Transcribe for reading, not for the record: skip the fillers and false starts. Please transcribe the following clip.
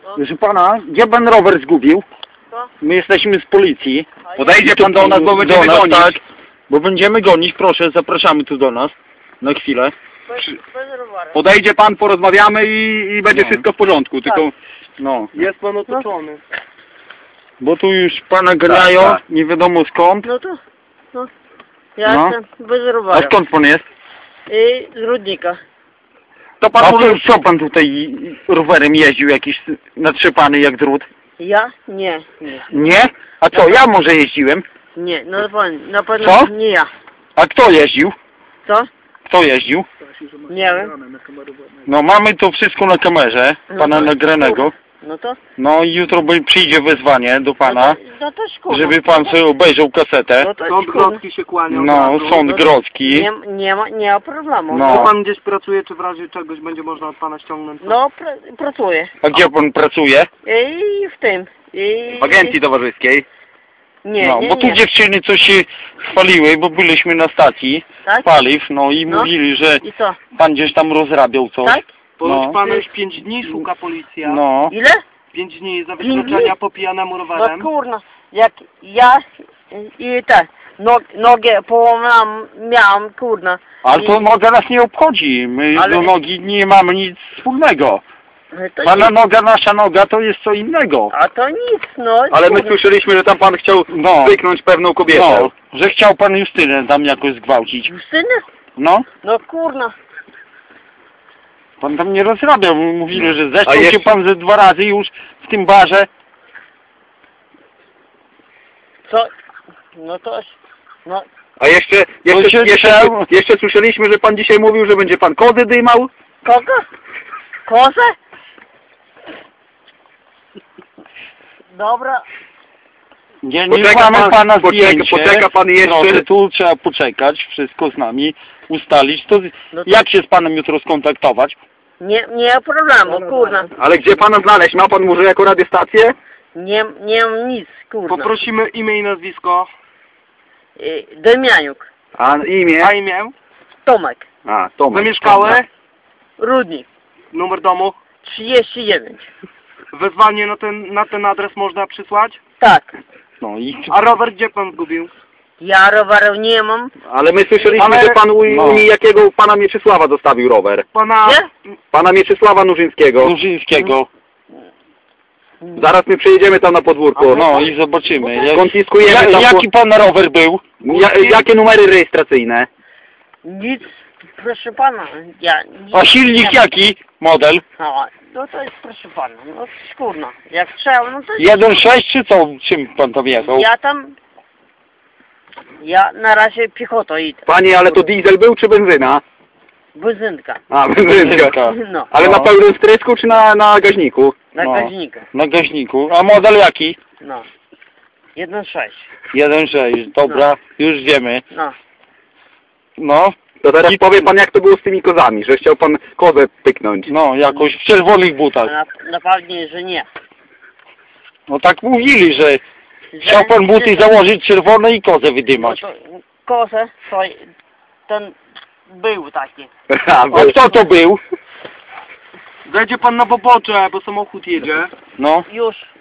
Proszę pana, gdzie pan rower zgubił? Co? My jesteśmy z policji. Podejdzie pan do nas, bo będziemy gonić. Tak, bo będziemy gonić, proszę, zapraszamy tu do nas. Na chwilę. Bez roweru. Podejdzie pan, porozmawiamy i będzie wszystko w porządku, tylko... No, Jest pan otoczony. bo tu już pana ganiają, tak. nie wiadomo skąd. No to, no. Ja No. jestem bez A roweru. skąd pan jest? I z Rudnika. To pan A może... to co pan tutaj rowerem jeździł, jakiś natrzepany jak drut? Ja? Nie, nie. Nie? A co, ja może jeździłem? Nie, na pewno Co? nie ja. A kto jeździł? Co? Kto jeździł? Nie wiem. No mamy to wszystko na kamerze, pana nagranego. No to? No i jutro przyjdzie wezwanie do pana, No to szkoda. żeby pan sobie obejrzał kasetę. No to Sąd szkoda. grodzki się kłania. No, sąd grodzki. Nie ma problemu. No. Czy pan gdzieś pracuje, czy w razie czegoś będzie można od pana ściągnąć? No, pracuję. A gdzie pan pracuje? I w tym. I... W agencji towarzyskiej. Nie, No, nie, bo tu nie. dziewczyny coś się chwaliły, bo byliśmy na stacji Tak? paliw, no i No. mówili, że I co? pan gdzieś tam rozrabiał coś. Tak? Ponoć No. pana już 5 dni szuka policja. No. Ile? 5 dni za 5 dni? wykroczenia po pijanemu No rowerem. kurna, jak ja i tak, nogę połamałam, miałam, kurna. Ale to I- noga nas nie obchodzi, my Ale- do nogi nie mamy nic wspólnego. To Pana nic. noga, nasza noga to jest co innego. A to nic, no. Ale my kurna. słyszeliśmy, że tam pan chciał No. zwyknąć pewną kobietę. No, że chciał pan Justynę tam jakoś zgwałcić. Justyny? No, No kurna. pan tam nie rozrabiał, mówili, że zeszł A się jeszcze- pan ze 2 razy już w tym barze. Co? No to, no, A jeszcze, jeszcze słyszeliśmy, że pan dzisiaj mówił, że będzie pan kody dymał. kogo? Kozę? Nie Dobra, Poczeka mamy pan- pana poczeka- zdjęcie. poczeka pan jeszcze. Proszę, tu trzeba poczekać, wszystko z nami ustalić. To No to- jak się z panem jutro skontaktować? nie ma problemu, kurna. Ale gdzie pana znaleźć? Ma pan może jako radiostację? Nie mam nic, kurna. Poprosimy imię i nazwisko. Demianiuk, A imię? A imię? Tomek, A, Tomek. Zamieszkały? Rudnik, Numer domu? 39. Wezwanie na ten adres można przysłać? Tak, No i A rower gdzie pan zgubił? ja roweru nie mam. Ale my słyszeliśmy, Ale- że pan u No. jakiego pana Mieczysława zostawił rower. Pana... Gdzie? Pana Mieczysława Nurzyńskiego. Nurzyńskiego. Zaraz my przyjedziemy tam na podwórko. No i zobaczymy. Skonfiskujemy tam... Jaki pan rower był? Jakie numery rejestracyjne? Nic, proszę pana, ja... Nic, A silnik jaki? Model? No to jest, proszę pana, no szkurno. Jak trzeba, no to... 1.6 czy co? Czym pan tam jechał? Ja na razie piechotą idę. Panie, ale to diesel był czy benzyna? Benzynka. A, benzynka. No, Ale na pełnym strysku czy na gaźniku? na No. gaźnika. Na gaźniku. A model jaki? No. 1.6. 1.6. Dobra, już wiemy. No. No, To teraz powie pan, jak to było z tymi kozami, że chciał pan kozę pyknąć. no, jakoś w czerwonych butach. Na pewnie, że nie. No tak mówili, że chciał pan buty założyć czerwone i kozę No wydymać. to kozę, to ten był taki. A, A kto to był? Zejdzie pan na pobocze, bo samochód jedzie. No, Już